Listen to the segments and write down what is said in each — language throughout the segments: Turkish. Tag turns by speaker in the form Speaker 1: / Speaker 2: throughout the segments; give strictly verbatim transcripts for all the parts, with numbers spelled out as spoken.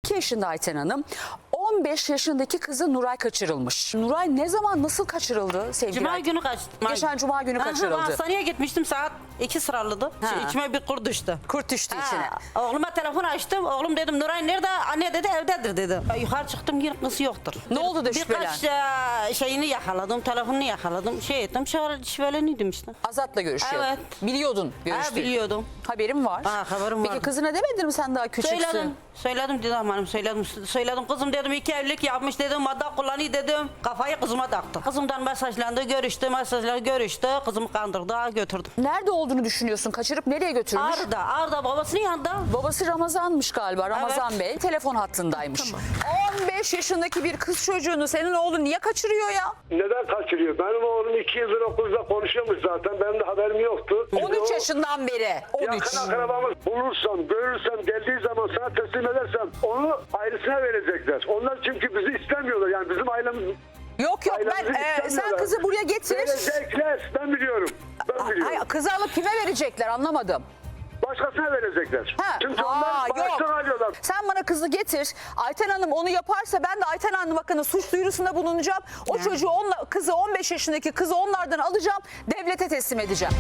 Speaker 1: iki yaşında Ayten Hanım. on beş yaşındaki kızı Nuray kaçırılmış. Nuray ne zaman nasıl kaçırıldı sevgili
Speaker 2: Cuma
Speaker 1: Ayten?
Speaker 2: günü kaçtı.
Speaker 1: Geçen Cuma günü kaçırıldı.
Speaker 2: Aha, hastaneye gitmiştim, saat iki sıralıydı.
Speaker 1: Ha.
Speaker 2: Şey, içime bir kurt düştü.
Speaker 1: Kurt düştü
Speaker 2: Ha,
Speaker 1: içine.
Speaker 2: Oğluma telefon açtım. Oğlum dedim Nuray nerede? Anne dedi evdedir dedi. Yukarı çıktım, yine kız yoktur.
Speaker 1: Ne oldu da şüphelen?
Speaker 2: Birkaç e, şeyini yakaladım, telefonunu yakaladım. Şey ettim, şöyle şüpheleniydim işte.
Speaker 1: Azat'la görüşüyordun.
Speaker 2: Evet.
Speaker 1: Biliyordun
Speaker 2: Ha,
Speaker 1: görüştüğünü.
Speaker 2: biliyordum.
Speaker 1: Haberim var.
Speaker 2: Ha, haberim
Speaker 1: Peki
Speaker 2: vardı.
Speaker 1: kızına demedin mi sen daha küçüksün?
Speaker 2: Söyledim. Söyledim Didem Hanım, söyledim. Söyledim kızım dedim, iki evlilik yapmış dedim, madde kullanıyor dedim. Kafayı kızıma taktı. Kızımdan mesajlandı, görüştü, mesajla görüştü. Kızımı kandırdı, götürdüm.
Speaker 1: Nerede olduğunu düşünüyorsun? Kaçırıp nereye götürmüş?
Speaker 2: Ağrı'da, Ağrı'da babasının yanında.
Speaker 1: Babası Ramazan'mış galiba. Ramazan
Speaker 2: Evet.
Speaker 1: Bey telefon hattındaymış. on beş yaşındaki bir kız çocuğunu senin oğlun niye kaçırıyor ya?
Speaker 3: Neden kaçırıyor? Benim oğlum iki yıldır okulda konuşuyormuş zaten. Benim de haberim yoktu.
Speaker 1: on üç yaşından beri. on üç.
Speaker 3: Yakın akrabamız bulursam, görürsem, geldiği zaman sana teslim edersem onu ailesine verecekler. Onlar çünkü bizi istemiyorlar. Yani bizim ailemiz...
Speaker 1: Yok yok ben
Speaker 3: ailemizi
Speaker 1: e, sen
Speaker 3: istemiyorlar.
Speaker 1: kızı buraya getir.
Speaker 3: Verecekler. Ben biliyorum. Ben biliyorum.
Speaker 1: Hayır, kızı alıp kime verecekler anlamadım.
Speaker 3: Başkasına verecekler.
Speaker 1: Ha,
Speaker 3: Çünkü
Speaker 1: ha,
Speaker 3: onlar bağıştan
Speaker 1: yok.
Speaker 3: alıyorlar.
Speaker 1: Sen bana kızı getir. Ayten Hanım onu yaparsa ben de Ayten Hanım hakkında suç duyurusunda bulunacağım. O çocuğu onla, kızı on beş yaşındaki kızı onlardan alacağım. Devlete teslim edeceğim.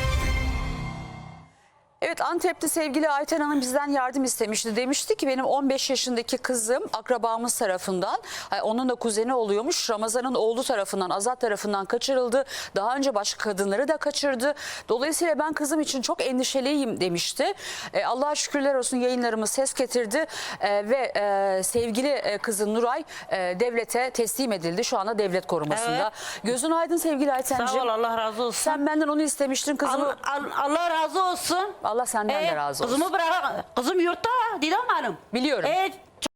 Speaker 1: Evet, Antep'te sevgili Ayten Hanım bizden yardım istemişti. Demişti ki benim on beş yaşındaki kızım akrabamız tarafından, onun da kuzeni oluyormuş, Ramazan'ın oğlu tarafından, Azat tarafından kaçırıldı. Daha önce başka kadınları da kaçırdı. Dolayısıyla ben kızım için çok endişeliyim demişti. E, Allah'a şükürler olsun yayınlarımız ses getirdi e, ve e, sevgili e, kızı Nuray e, devlete teslim edildi. Şu anda devlet korumasında.
Speaker 2: Evet.
Speaker 1: Gözün aydın sevgili Ayten'ciğim.
Speaker 2: Sağ ol, Allah razı olsun.
Speaker 1: Sen benden onu istemiştin kızımı.
Speaker 2: Al- al- Allah razı olsun.
Speaker 1: Allah senden de
Speaker 2: Ee,
Speaker 1: razı olsun.
Speaker 2: Kızımı bırak. Kızım yurtta Didem Hanım.
Speaker 1: Biliyorum.
Speaker 2: Ee,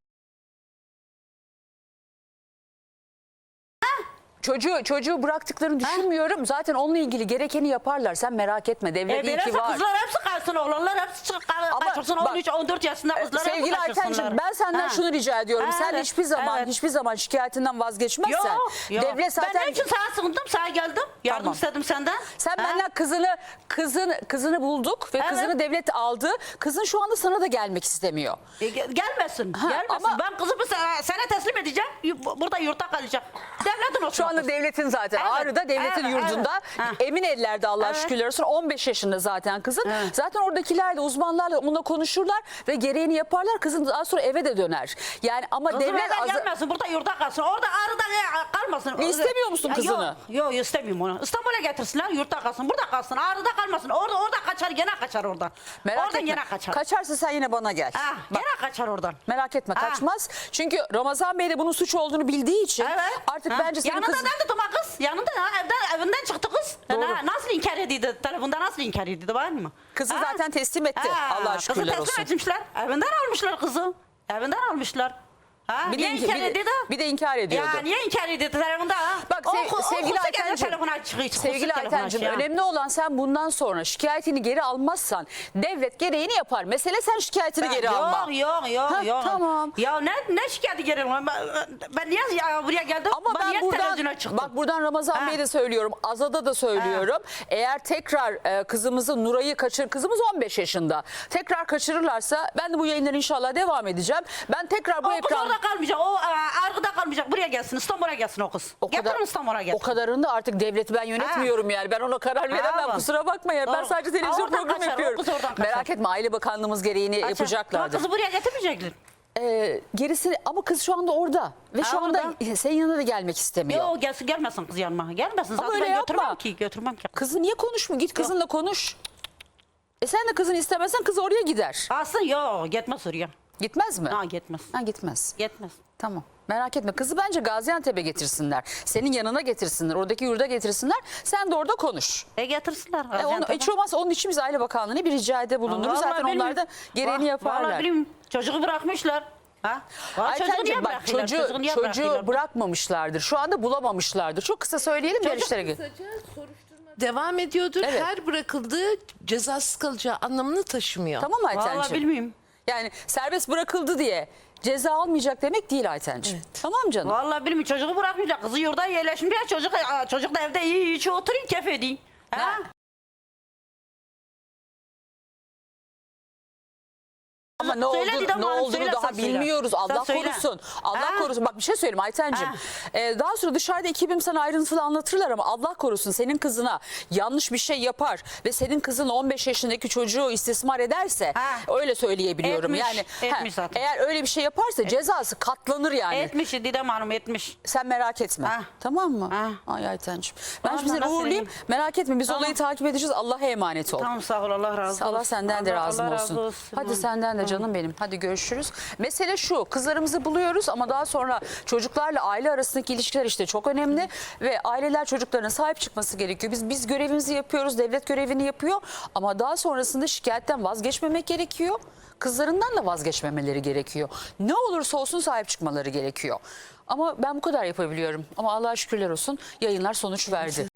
Speaker 1: Çocuğu çocuğu bıraktıklarını düşünmüyorum. Zaten onunla ilgili gerekeni yaparlar. Sen merak etme. Devlet
Speaker 2: e,
Speaker 1: iyi ki
Speaker 2: böylese
Speaker 1: var.
Speaker 2: kızlar hepsi kaçsın, oğlanlar hepsi çık-
Speaker 1: Ama
Speaker 2: kaçırsın.
Speaker 1: bak,
Speaker 2: on üç on dört yaşında kızlar hepsi
Speaker 1: Sevgili
Speaker 2: kaçırsınlar.
Speaker 1: Ayten'cim ben senden
Speaker 2: Ha.
Speaker 1: şunu rica ediyorum.
Speaker 2: Ha,
Speaker 1: Sen
Speaker 2: evet,
Speaker 1: hiçbir zaman
Speaker 2: evet.
Speaker 1: hiçbir zaman şikayetinden vazgeçmezsen.
Speaker 2: Yok, yok.
Speaker 1: Devlet zaten
Speaker 2: Ben ne için sana sığındım, sana geldim. Yardım
Speaker 1: Tamam.
Speaker 2: istedim senden.
Speaker 1: sen
Speaker 2: Ha?
Speaker 1: benden kızını kızın kızını bulduk ve
Speaker 2: Evet.
Speaker 1: kızını devlet aldı. Kızın şu anda sana da gelmek istemiyor.
Speaker 2: E, gel- gelmesin.
Speaker 1: Ha,
Speaker 2: gelmesin.
Speaker 1: ama-
Speaker 2: Ben kızımı sana, sana teslim edeceğim. y- Burada yurtta kalacak. Devletin olsun.
Speaker 1: Şu anda
Speaker 2: kız.
Speaker 1: devletin zaten
Speaker 2: Evet,
Speaker 1: Ağrı'da devletin
Speaker 2: evet,
Speaker 1: yurdunda
Speaker 2: evet. Ha.
Speaker 1: emin ellerde Allah'a
Speaker 2: Evet.
Speaker 1: şükürler olsun. on beş yaşında zaten kızın.
Speaker 2: Evet.
Speaker 1: Zaten oradakilerle uzmanlarla onunla konuşurlar ve gereğini yaparlar. Kızın daha sonra eve de döner. Yani ama
Speaker 2: Kızım
Speaker 1: devlet
Speaker 2: evden
Speaker 1: azı-
Speaker 2: gelmesin. Burada yurtta kalsın. Orada Ağrı'da e, kalmasın.
Speaker 1: E, istemiyor musun
Speaker 2: Ya,
Speaker 1: kızını?
Speaker 2: Yok, yok istemiyorum onu. İstanbul'a getirsinler, yurtta kalsın. Burada kalsın. Ağrı'da kalmasın. Orada orada kaçar, gene kaçar oradan.
Speaker 1: Merak
Speaker 2: oradan
Speaker 1: etme.
Speaker 2: gene kaçar.
Speaker 1: Kaçarsa sen yine bana gel.
Speaker 2: Ha,
Speaker 1: Bak,
Speaker 2: gene kaçar oradan.
Speaker 1: merak etme
Speaker 2: Ha.
Speaker 1: kaçmaz. Çünkü Ramazan Bey de bunun suç olduğunu bildiği için
Speaker 2: Evet.
Speaker 1: artık
Speaker 2: Ha.
Speaker 1: bence senin
Speaker 2: Yanında
Speaker 1: kızın...
Speaker 2: nerede Tuma kız? Yanında ha, evden, evinden çıktı kız.
Speaker 1: Doğru.
Speaker 2: Ha, nasıl inkar edildi? Telefonda nasıl inkar edildi var mı?
Speaker 1: Kızı
Speaker 2: Ha?
Speaker 1: zaten teslim etti.
Speaker 2: Ha,
Speaker 1: Allah'a
Speaker 2: kızı
Speaker 1: şükürler
Speaker 2: teslim
Speaker 1: olsun.
Speaker 2: etmişler. Evinden almışlar kızı. Evinden almışlar. Ha,
Speaker 1: Bir de,
Speaker 2: niye
Speaker 1: inki-
Speaker 2: inkar
Speaker 1: bir, de,
Speaker 2: edildi?
Speaker 1: bir de inkar ediyordu.
Speaker 2: Ya niye inkar edildi telefonda? Ha?
Speaker 1: Bak sev-
Speaker 2: O- o-
Speaker 1: sevgili
Speaker 2: okursa gene
Speaker 1: Aytenciğim,
Speaker 2: telefonu aç, çıkıyor, çıkıyor,
Speaker 1: sevgili
Speaker 2: telefonu
Speaker 1: Aytenciğim
Speaker 2: aç ya.
Speaker 1: önemli olan sen bundan sonra şikayetini geri almazsan devlet gereğini yapar. Mesele sen şikayetini
Speaker 2: Ben-
Speaker 1: geri
Speaker 2: yok,
Speaker 1: alma.
Speaker 2: Yok yok
Speaker 1: Ha,
Speaker 2: yok.
Speaker 1: tamam.
Speaker 2: Ya ne ne şikayeti geri alma? Ben, ben niye ya buraya geldim?
Speaker 1: Ama ben
Speaker 2: niye
Speaker 1: buradan
Speaker 2: televizyona çıktım?
Speaker 1: bak buradan Ramazan
Speaker 2: Ha.
Speaker 1: Bey'e de söylüyorum. Azad'a da söylüyorum. Eğer tekrar e, kızımızı Nuray'ı kaçır, kızımız on beş yaşında. Tekrar kaçırırlarsa ben de bu yayınlara inşallah devam edeceğim. Ben tekrar bu
Speaker 2: O kız
Speaker 1: ekran
Speaker 2: orada kalmayacak. O e, Argı'da kalmayacak. Buraya gelsin. İstanbul'a gelsin o kız.
Speaker 1: o kadar
Speaker 2: Getirin İstanbul'a
Speaker 1: o
Speaker 2: gelsin.
Speaker 1: kadarını da artık devleti ben yönetmiyorum yani. Ben ona karar veremem.
Speaker 2: bak.
Speaker 1: Kusura bakma ya. Ben
Speaker 2: Doğru.
Speaker 1: sadece televizyon
Speaker 2: Ha, oradan
Speaker 1: programı
Speaker 2: kaçar, o
Speaker 1: yapıyorum.
Speaker 2: kız oradan kaçar.
Speaker 1: Merak etme Aile Bakanlığımız gereğini
Speaker 2: Kaçar.
Speaker 1: yapacaklardır.
Speaker 2: Kızı buraya getirmeyecekler.
Speaker 1: Ee, gerisi ama kız şu anda orada ve şu
Speaker 2: Ha,
Speaker 1: anda
Speaker 2: orada.
Speaker 1: senin yanına da gelmek istemiyor.
Speaker 2: Yok gelsin, gelmesin kız yanıma. Gelmesin. Zaten
Speaker 1: öyle
Speaker 2: ben
Speaker 1: yapma.
Speaker 2: götürmem ki. Götürmem ki.
Speaker 1: Kızı niye konuşmuyor? Git kızınla konuş. E sen de kızını istemezsen kız oraya gider.
Speaker 2: Aslında yok. Gitmez oraya.
Speaker 1: Gitmez mi?
Speaker 2: Ha gitmez.
Speaker 1: Ha, gitmez.
Speaker 2: Gitmez.
Speaker 1: Tamam. Merak etme. Kızı bence Gaziantep'e getirsinler. Senin yanına getirsinler. Oradaki yurda getirsinler. Sen de orada konuş.
Speaker 2: E getirsinler.
Speaker 1: E onu, hiç olmazsa onun için biz Aile Bakanlığı'na bir ricada bulunuruz.
Speaker 2: Vallahi
Speaker 1: Zaten onlar
Speaker 2: bilmiyorum.
Speaker 1: da gereğini
Speaker 2: Vah-
Speaker 1: yaparlar.
Speaker 2: Vallahi bilmiyorum. Çocuğu bırakmışlar. Ha? Vallahi çocuğu niye
Speaker 1: Aytenciğim bak
Speaker 2: bırakıyorlar?
Speaker 1: çocuğu,
Speaker 2: Çocuğu niye
Speaker 1: çocuğu
Speaker 2: bırakıyorlar?
Speaker 1: bırakmamışlardır. Şu anda bulamamışlardır. Çok kısa söyleyelim
Speaker 2: Çocuk-
Speaker 1: görüşlere.
Speaker 4: Kısaca soruşturma devam ediyordur.
Speaker 1: Evet.
Speaker 4: Her bırakıldığı cezasız kalacağı anlamını taşımıyor.
Speaker 1: Tamam mı Aytenciğim?
Speaker 2: Vallahi bilmiyorum.
Speaker 1: Yani serbest bırakıldı diye ceza almayacak demek değil Aytenciğim. Tamam canım.
Speaker 2: Vallahi bilmiyorum. Çocuğu bırakmayacak. Kızı yurda yerleşmiş. Ya çocuk, çocuk da evde iyi iyi oturuyor. Keyif ediyor. Ha?
Speaker 1: Ha. Ama ne
Speaker 2: Söyle
Speaker 1: olduğunu,
Speaker 2: Didem
Speaker 1: ne
Speaker 2: Hanım,
Speaker 1: olduğunu
Speaker 2: söyle,
Speaker 1: daha
Speaker 2: sen söyle.
Speaker 1: bilmiyoruz.
Speaker 2: Sen
Speaker 1: Allah
Speaker 2: söyle.
Speaker 1: korusun. Allah
Speaker 2: Ha?
Speaker 1: korusun. Bak bir şey söyleyeyim Aytenciğim.
Speaker 2: Ha.
Speaker 1: Ee, daha sonra dışarıda ekibim sana ayrıntılı anlatırlar ama Allah korusun senin kızına yanlış bir şey yapar ve senin kızın on beş yaşındaki çocuğu istismar ederse
Speaker 2: Ha.
Speaker 1: öyle söyleyebiliyorum.
Speaker 2: Etmiş,
Speaker 1: yani
Speaker 2: etmiş
Speaker 1: ha,
Speaker 2: zaten.
Speaker 1: eğer öyle bir şey yaparsa cezası katlanır yani.
Speaker 2: Etmiş Didem Hanım etmiş.
Speaker 1: Sen merak etme.
Speaker 2: Ha.
Speaker 1: Tamam mı?
Speaker 2: Ha.
Speaker 1: Ay Aytenciğim. Ben
Speaker 2: Tamam,
Speaker 1: şimdi seni
Speaker 2: ben nasıl
Speaker 1: uğurlayayım.
Speaker 2: vereyim?
Speaker 1: Merak etme biz
Speaker 2: Tamam.
Speaker 1: olayı takip edeceğiz. Allah'a emanet ol.
Speaker 2: Tamam sağ ol Allah razı olsun.
Speaker 1: Allah senden de
Speaker 2: Allah-
Speaker 1: razı
Speaker 2: Allah
Speaker 1: olsun.
Speaker 2: razı olsun.
Speaker 1: Hadi senden de canım benim. Hadi görüşürüz. Mesele şu, kızlarımızı buluyoruz ama daha sonra çocuklarla aile arasındaki ilişkiler işte çok önemli ve aileler çocuklarına sahip çıkması gerekiyor. Biz biz görevimizi yapıyoruz, devlet görevini yapıyor ama daha sonrasında şikayetten vazgeçmemek gerekiyor. Kızlarından da vazgeçmemeleri gerekiyor. Ne olursa olsun sahip çıkmaları gerekiyor. Ama ben bu kadar yapabiliyorum. Ama Allah'a şükürler olsun yayınlar sonuç verdi.